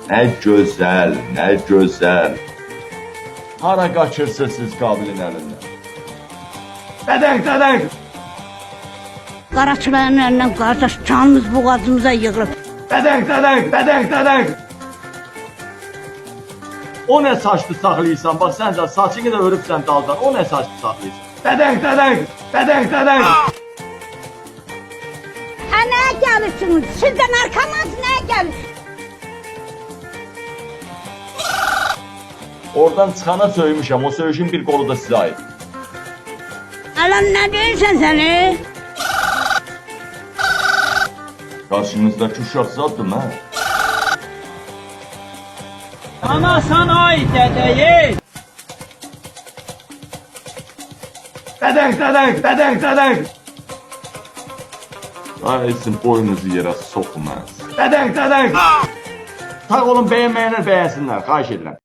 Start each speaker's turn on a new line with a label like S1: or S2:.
S1: Nə gözəl, nə gözəl. Hara qaçırsınız siz Qabilin əlindən? Dədək.
S2: Qaraçıların əlindən qardaş canımız boğazımıza yığılıb.
S1: Dədək. O nə saçlı saxlayırsan? Bax sən də saçını da örübsən daldan. O nə saçlı saxlayırsan? Dədək.
S2: Ha nəyə gəlirsiniz? Siz də narkomansınız, nəyə gəlirsiniz?
S1: Oradan çıxana söymüşəm. O söymüşün bir qolu da sizə ait.
S2: Alan nə deyirsən səni?
S1: Qarşınızdakı uşaq zaddır mən.
S3: Ana sana ait dədəyi.
S1: Dədək. Ay sizin boynunuzu yerə soxmaz. Dədək. Sağ olun, bəyənməyənlər bəyənsinlər, xahiş edirəm.